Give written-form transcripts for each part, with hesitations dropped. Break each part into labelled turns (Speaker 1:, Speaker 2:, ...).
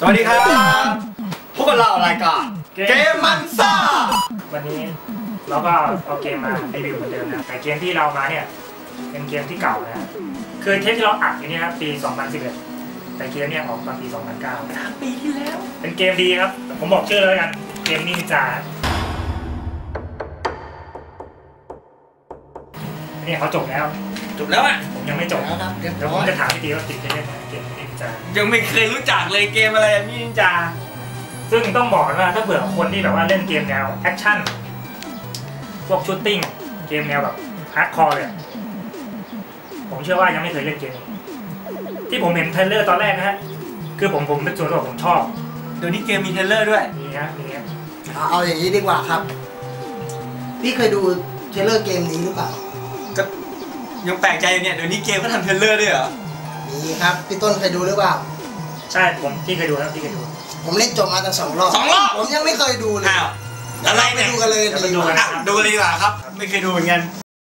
Speaker 1: สวัสดีครับพวกเรารายการเกมมันซ่า
Speaker 2: วันนี้เราก็เอาเกมมารีวิวเหมือนเดิมนะแต่เกมที่เรามาเนี่ยเป็นเกมที่เก่านะคือเทปที่เราอัดอยู่เนี่ยครับปี 2011 แต่เกมเนี่ยออกตอนปี 2009
Speaker 1: 3 ปีที่แล้ว
Speaker 2: เป็นเกมดีครับผมบอกชื่อเลยกันเกมนินจาเนี่ยเขาจบแล้ว
Speaker 1: อ่ะ
Speaker 2: ผมยังไม่จบ
Speaker 3: แล้วครับเ
Speaker 2: ดี๋ยวผมจะถามพี่ตีว่าติดจะเล่นเกมนินจา
Speaker 1: ยังไม่เคยรู้จักเลยเกมอะไรนินจา
Speaker 2: ซึ่งต้องบอกว่าถ้าเผื่อคนที่แบบว่าเล่นเกมแนวแอคชั่นพวกชูตติ้งเกมแนวแบบฮาร์ดคอร์เลยผมเชื่อว่ายังไม่เคยเล่นเกมที่ผมเห็นเทรลเลอร์ตอนแรกนะฮะคือผมเป็นส่วนตัวผมชอบ
Speaker 1: เดี๋ยวนี้เกมมีเทรลเลอร์ด้วย
Speaker 2: นี่ฮะนี่
Speaker 3: เอาอย่างนี้ดีกว่าครับพี่เคยดูเทรลเลอร์เกมนี้หรือเปล่า
Speaker 1: ก็ยังแปลกใจอยู่เนี่ยเดี๋ยวนี้เกมก็ทำเทรลเลอร์ด้วยเหรอ
Speaker 3: มีครับพี่ต้นเคยดูหรือเปล่า
Speaker 2: ใช่ผมที่เคยดูครับที่เคยดู
Speaker 3: ผมเล่นจบมาตั้ง2 รอบผมยังไม่เคยดูเลย
Speaker 1: อะไร
Speaker 3: ไปดูกันเลย
Speaker 2: ดูเลย
Speaker 1: ดีกว่าครับไม่เคยดูเหมือนกัน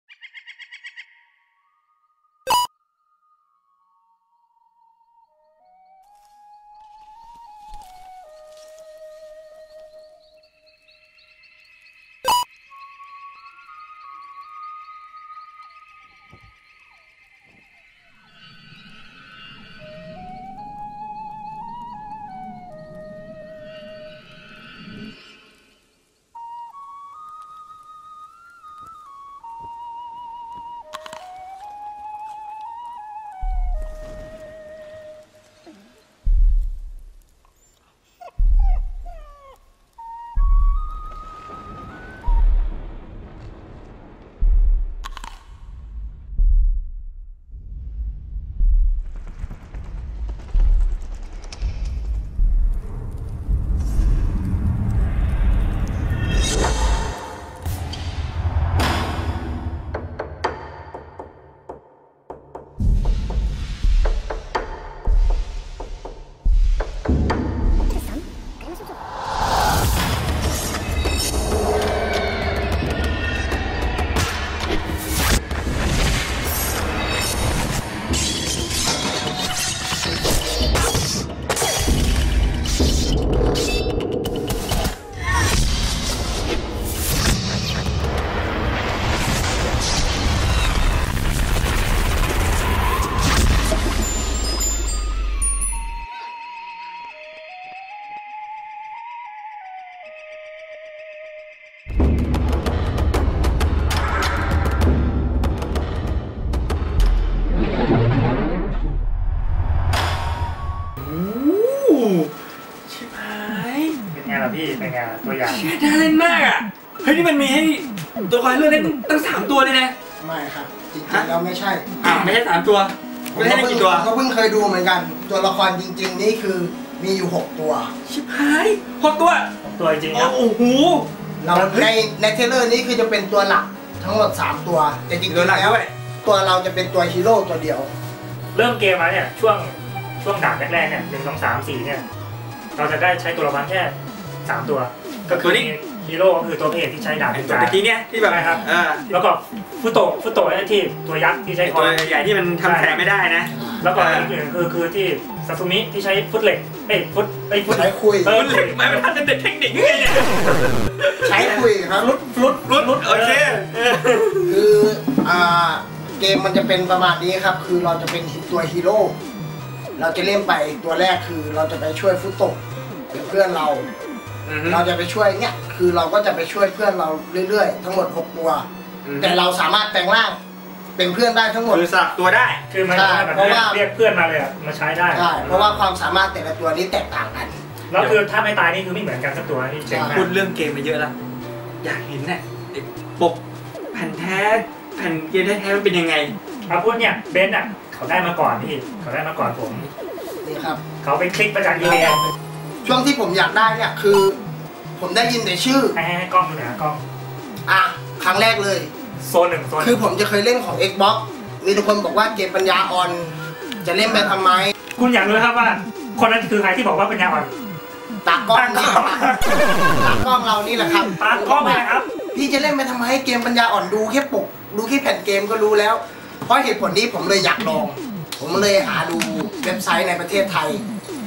Speaker 2: พี่เป็นไงตัวอย่าง
Speaker 1: น่าเล่นมากอ่ะเฮ้ยนี่มันมีให้ตัวคอยเลือกเล่นตั้ง3 ตัวเลยนะ
Speaker 3: ไม่ครับจริงๆแล้วไม่ใช่
Speaker 1: ไม่ใช่3 ตัวไม่ใช่กี่ตัว
Speaker 3: ก็เพิ่งเคยดูเหมือนกันตัวละครจริงๆนี่คือมีอยู่6 ตัว
Speaker 1: ชิบหาย6 ตัว
Speaker 2: จริงครับ
Speaker 1: โอ้โห
Speaker 3: เราในเทรลเลอร์นี้คือจะเป็นตัวหลักทั้งหมด3 ตัวแต่จริงๆแล้วตัวเราจะเป็นตัวฮีโร่ตัวเดียว
Speaker 2: เริ่มเกมมาเนี่ยช่วงด่านแรกๆเนี่ย1 2 3 4เนี่ยเราจะได้ใช้ตัวละครแค่3 ตัวก็คือฮีโร่ก็คือตัวเพจที่ใช้ดาบ
Speaker 1: ตัวตะกี้เนี่ยที่แบบ
Speaker 2: ครับแล้วก็ฟุโตะที่ตัวยักษ์ที่ใช้คอ
Speaker 1: ตัวใหญ่ที่มันทำแผลไม่ได้นะ
Speaker 2: แล้วก็อีกหนึ่งคือที่ซาซุมิที่ใช้ฟุตเหล็กฟุต
Speaker 3: ใช้คุย
Speaker 1: เหล็กไม่เป็นเด็กเทคนิคยังไงเนี่ย
Speaker 3: ใช้คุยครับ
Speaker 1: รุดโอเค
Speaker 3: คือเกมมันจะเป็นประมาณนี้ครับคือเราจะเป็นตัวฮีโร่เราจะเล่นไปตัวแรกคือเราจะไปช่วยฟุโตะเพื่อนเราจะไปช่วยเนี่ยคือเราก็จะไปช่วยเพื่อนเราเรื่อยๆทั้งหมด6 ตัวแต่เราสามารถแปลงร่างเป็นเพื่อนได้ทั้งหมด
Speaker 1: คือสลับตัวได้
Speaker 2: คือมันเพราะว่าเรียกเพื่อนมาเลยมาใช้ได้
Speaker 3: ใช่เพราะว่าความสามารถแต่ละตัวนี้แตกต่างกัน
Speaker 2: แล้วคือถ้าไม่ตายนี่คือไม่เหมือนกันสักตัวนี่
Speaker 1: เจ๋งมากพูดเรื่องเกมมาเยอะแล้วอยากเห็นเนี่ยปกแผ่นเกมแท้ๆมันเป็นยังไง
Speaker 2: พูดเนี่ยเบนซ์เขาได้มาก่อนพี่เขาได้มาก่อนผม
Speaker 3: นี่ครับ
Speaker 2: เขาไปคลิกมาจากอีเมล
Speaker 3: ช่วงที่ผมอยากได้เนี่ยคือผมได้ยินแต่ชื่อ
Speaker 2: ให้กล้องดูนะกล้อง
Speaker 3: ครั้งแรกเลย
Speaker 2: โซน 1
Speaker 3: คือผมจะเคยเล่นของ Xbox มีทุกคนบอกว่าเกมปัญญาอ่อนจะเล่นไปทำไม
Speaker 2: คุณอยากรู้ครับว่าคนนั้นคือใครที่บอกว่าปัญญาอ่อน
Speaker 3: ตากล้องเรานี่แหละครับ
Speaker 2: ตากล้องนะครับ
Speaker 3: พี่จะเล่นไปทำไมเกมปัญญาอ่อนดูแค่ปกดูแค่แผ่นเกมก็รู้แล้วเพราะเหตุผลนี้ผมเลยอยากลองผมเลยหาดูเว็บไซต์ในประเทศไทย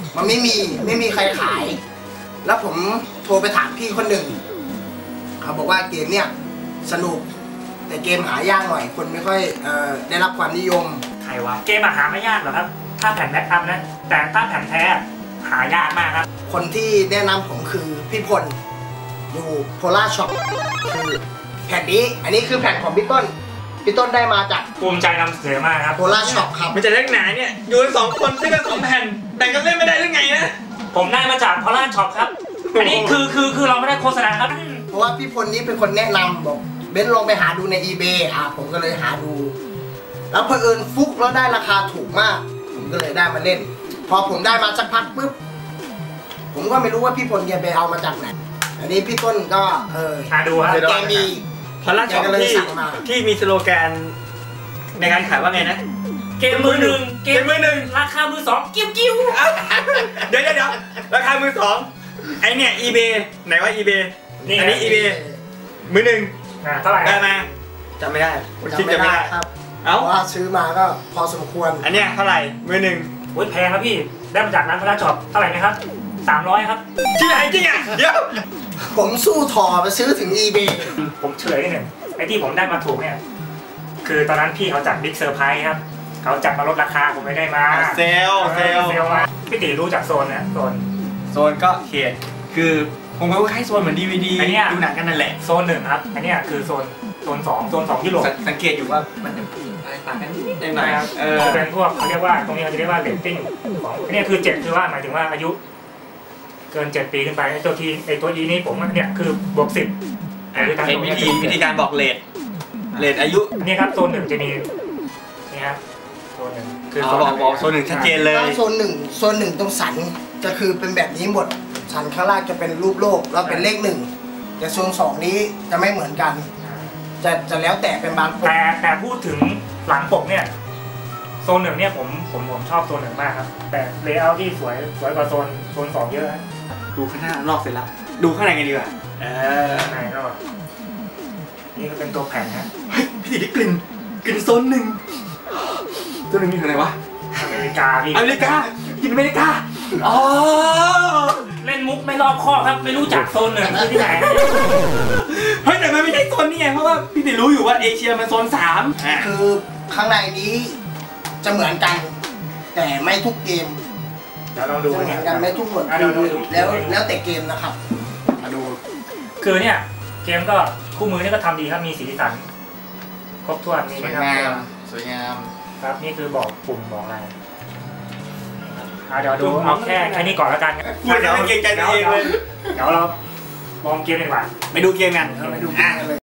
Speaker 3: มันไม่มีใครขาย แล้วผมโทรไปถามพี่คนหนึ่งเขาบอกว่าเกมเนี่ยสนุกแต่เกมหายากหน่อยคนไม่ค่อยได้รับความนิยม
Speaker 2: ใครวะเกมหาไม่ยากหรอกครับถ้าแผ่นแบ็คอัพนะแต่ถ้าแผ่นแท้หายากมากครับ
Speaker 3: คนที่แนะนำผมคือพี่พลอยู่โพล่าช็อปคือแผ่นนี้อันนี้คือแผ่นของพี่ต้นได้มาจาก
Speaker 2: ภูมิใจนำเสนอมากครับ
Speaker 3: โพล่าช็อปครับ
Speaker 1: มันจะเล่นไหนเนี่ยอยู่กัน2 คนซื้อกัน2 แผ่นแบ่งกันเล่นไม่ได้หรือไงนะ
Speaker 2: ผมได้มาจากโพล่าช็อปครับอันนี้คือเราไม่ได้โฆษณาครับ
Speaker 3: เพราะว่าพี่พลนี้เป็นคนแนะนำบอกเบนซ์ลองไปหาดูใน eBay ผมก็เลยหาดูแล้วเผอิญฟุกแล้วได้ราคาถูกมากผมก็เลยได้มาเล่นพอผมได้มาสักพักปุ๊บผมก็ไม่รู้ว่าพี่พลแกไปเอามาจากไหนอันนี้พี่ต้นก็
Speaker 2: หาดูครับ
Speaker 3: แกมี
Speaker 1: พอล่าช็อปที่มีสโลแกนในการขายว่าไงนะ
Speaker 2: เกมมือหนึ่งราคามือสองกิ้ว
Speaker 1: เดี๋ยวราคามือสองไอเนี่ย eBay ไหนว่า eBay อันนี้ eBay มือหนึ่ง
Speaker 2: เท่าไหร่
Speaker 1: ได้มาจำไม่ได้
Speaker 3: จำไม่ได้ครับเพราะว่าซื้อมาก็พอสมควร
Speaker 1: อันเนี้ยเท่าไหร่มือหนึ่ง
Speaker 2: โอ้ยแพงครับพี่ได้มาจากร้านโพล่าช็อปเท่าไหร่นะครับ300ครับ
Speaker 1: จริงอ่ะเดี๋ยว
Speaker 3: ผมสู้ถอไปซื้อถึง eBay
Speaker 2: ผมเฉลยนิดหนึ่งไอ้ที่ผมได้มาถูกเนี่ยคือตอนนั้นพี่เขาจัดบิ๊กเซอร์ไพรส์ครับเขาจัดมาลดราคาผมไม่ได้มา
Speaker 1: เซล
Speaker 2: มาพี่ตีรู้จักโซนนะโซน
Speaker 1: ก็เขตคือผมก็ให้โซนเหมือน DVD ดูหนังกันนั่นแหละ
Speaker 2: โซน1ครับอันนี้คือโซน2ยุโรป
Speaker 1: สังเกตอยู่ว่ามันจะอะไรต่างกันนิดหน่อย
Speaker 2: จะเป็นพวกเขาเรียกว่าตรงนี้เขาจะเรียกว่าเรตติ้งของอันนี้คือ7คือว่าหมายถึงว่าอายุเกิน7 ปีขึ้นไปไอ้ตัวEนี่ผมเนี่ยคือบวก10
Speaker 1: เป็นวิธีการบอกเรทอายุ
Speaker 2: นี่ครับโซน1จะมีนี่ครับโซน1คือ
Speaker 1: บอกโซน1ชัดเจนเลย
Speaker 3: โซน1ตรงสันจะคือเป็นแบบนี้หมดสันข้างล่างจะเป็นรูปโลกแล้วเป็นเลข1แต่โซน2นี้จะไม่เหมือนกันจะแล้วแต่เป็นบาง
Speaker 2: แต่พูดถึงหลังปกเนี่ยโซน1เนี่ยผมชอบโซน1มากครับแต่เลเยอร์ที่สวยกว่าโซน2เยอะ
Speaker 1: ดูข้างหน้านอกเสร็จแล้วดูข้างในกันดีกว่า
Speaker 2: ข้างในก็นี่ก็เป็นตัวแผ่นนะ
Speaker 1: พี่ติได้กลิ่นโซน1มีอะไรวะ
Speaker 2: อเมริกา
Speaker 1: กินอเมริกาอ๋อ
Speaker 2: เล่นมุกไม่รอบคอบครับไม่รู้จักโซน1คือที่ไหน
Speaker 1: เฮ้ยแต่มันไม่ใช่โซนนี่ไงเพราะว่าพี่ติรู้อยู่ว่าเอเชียมันโซน3
Speaker 3: คือข้างในนี้จะเหมือนกันแต่ไม่ทุกเกม
Speaker 2: จะลองดู
Speaker 3: เหมือนกันไม่ทุกหมดแล้วแต่เกมนะครับ
Speaker 1: มาดู
Speaker 2: คือเนี่ยเกมก็คู่มือนี่ก็ทำดีครับมีสีสันครบถ้วนนี่นะครับ
Speaker 1: สวยงาม
Speaker 2: ครับนี่คือบอกปุ่มบอกอะไรเดี๋ยวดูเอาแค่นี้ก่อนแล้วกัน
Speaker 1: พูดแล้วเกรงใจตัวเองเลย
Speaker 2: เดี๋ยวเราลองเกมดีกว่า
Speaker 1: ไปดูเกมกัน
Speaker 3: ไปดูเกมกันเลย